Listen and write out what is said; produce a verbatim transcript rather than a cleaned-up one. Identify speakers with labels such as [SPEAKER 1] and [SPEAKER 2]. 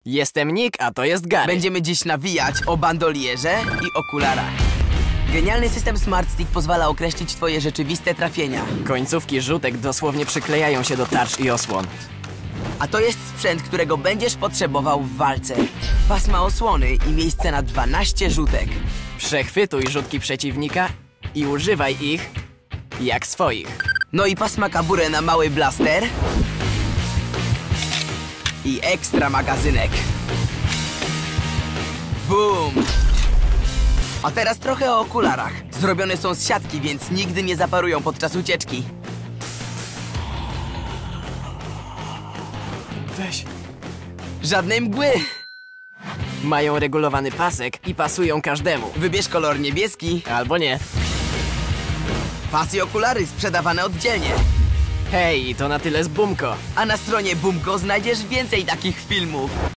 [SPEAKER 1] Jestem Nick, a to jest Gary.
[SPEAKER 2] Będziemy dziś nawijać o bandolierze i okularach. Genialny system Smart Stick pozwala określić twoje rzeczywiste trafienia.
[SPEAKER 1] Końcówki rzutek dosłownie przyklejają się do tarcz i osłon.
[SPEAKER 2] A to jest sprzęt, którego będziesz potrzebował w walce. Pasma osłony i miejsce na dwanaście rzutek.
[SPEAKER 1] Przechwytuj rzutki przeciwnika i używaj ich jak swoich.
[SPEAKER 2] No i pasma kaburę na mały blaster. I ekstra magazynek. Boom! A teraz trochę o okularach. Zrobione są z siatki, więc nigdy nie zaparują podczas ucieczki.
[SPEAKER 1] Weź.
[SPEAKER 2] Żadnej mgły!
[SPEAKER 1] Mają regulowany pasek i pasują każdemu.
[SPEAKER 2] Wybierz kolor niebieski.
[SPEAKER 1] Albo nie.
[SPEAKER 2] Pas i okulary sprzedawane oddzielnie.
[SPEAKER 1] Hej, to na tyle z Bumko.
[SPEAKER 2] A na stronie Bumko znajdziesz więcej takich filmów.